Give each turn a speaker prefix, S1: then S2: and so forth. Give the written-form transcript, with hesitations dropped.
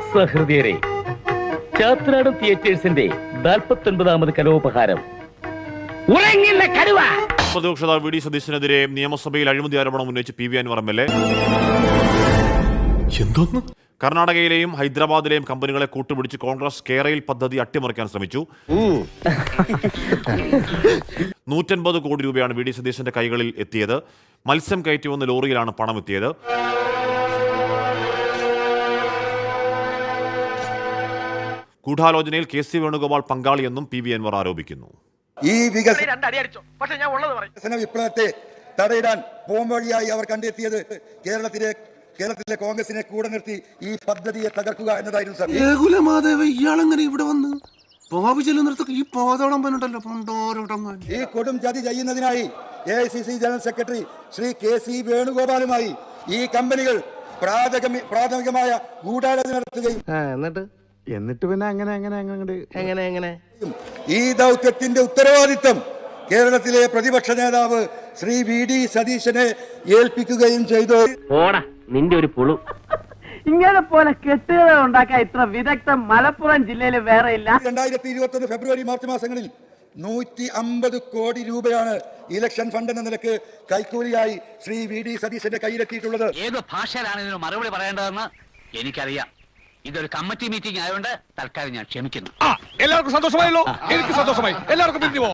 S1: സഹൃദയരെ, ചാത്രാടൻ തിയേറ്റേഴ്സിന്റെ 49ാമത് കലോപഹാരം ഉറങ്ങില്ല കടുവ.
S2: പ്രതിപക്ഷ നേതാവ് വി ഡി സതീശനെതിരെ നിയമസഭയിൽ അഴിമതി ആരോപണം ഉന്നയിച്ച് പി വി അൻവർ MLA. കർണാടകയിലെയും ഹൈദരാബാദിലെയും കമ്പനികളെ കൂട്ടുപിടിച്ച് കോൺഗ്രസ് കേരയിൽ പദ്ധതി അട്ടിമറിക്കാൻ ശ്രമിച്ചു. 150 കോടി രൂപയാണ് വി ഡി സതീശന്റെ കൈകളിൽ എത്തിയത്. മത്സ്യം കയറ്റി വന്ന ലോറിയിലാണ് പണം എത്തിയത്. ഗൂഢാലോചനയിൽ KC വേണുഗോപാൽ പങ്കാളിയെന്നും പി വി അൻവർ ആരോപിക്കുന്നു.
S3: ഈ വികസന വിപ്ലവത്തെ തടയിടാൻ പോംവഴിയായി അവർ കണ്ടെത്തിയത് കേരളത്തിലെ കോൺഗ്രസിനെ കൂടെ നിർത്തി ഈ പദ്ധതിയെ തകർക്കുക എന്നതായിരുന്നു സാർ.
S4: ഇയാളെങ്ങനെ ഇവിടെ വന്ന്
S3: ഈ കൊടും ചതി ചെയ്യുന്നതിനായി AICC general secretary Shri KC വേണുഗോപാലുമായി ഈ കമ്പനികൾ പ്രാഥമികമായ ഗൂഢാലോചന നടത്തുകയും
S4: എന്നിട്ട് പിന്നെ എങ്ങനെ
S3: ഈ ദൗത്യത്തിന്റെ ഉത്തരവാദിത്തം കേരളത്തിലെ പ്രതിപക്ഷ നേതാവ് ശ്രീ VD സതീശനെ ഏൽപ്പിക്കുകയും ചെയ്തു.
S1: നിന്റെ ഒരു പുളു
S5: ഇങ്ങനെ പോലെ കെട്ടുകഥ ഉണ്ടാക്കാൻ ഇത്ര വിദഗ്ധം മലപ്പുറം ജില്ലയിൽ വേറെ ഇല്ല.
S3: 2021 ഫെബ്രുവരി മാർച്ച് മാസങ്ങളിൽ 150 കോടി രൂപയാണ് ഇലക്ഷൻ ഫണ്ട് എന്ന നിലക്ക് കൈക്കൂലിയായി ശ്രീ VD സതീശന്റെ കയ്യിലെത്തിയിട്ടുള്ളത്.
S6: ഏത് ഭാഷയിലാണ് ഇതിന് മറുപടി പറയേണ്ടതെന്ന് എനിക്കറിയാം. ഇതൊരു കമ്മിറ്റി മീറ്റിംഗ് ആയതുകൊണ്ട് തൽക്കാലം ഞാൻ ക്ഷമിക്കുന്നു.
S4: എല്ലാവർക്കും സന്തോഷമായല്ലോ. എനിക്ക് സന്തോഷമായി. എല്ലാവർക്കും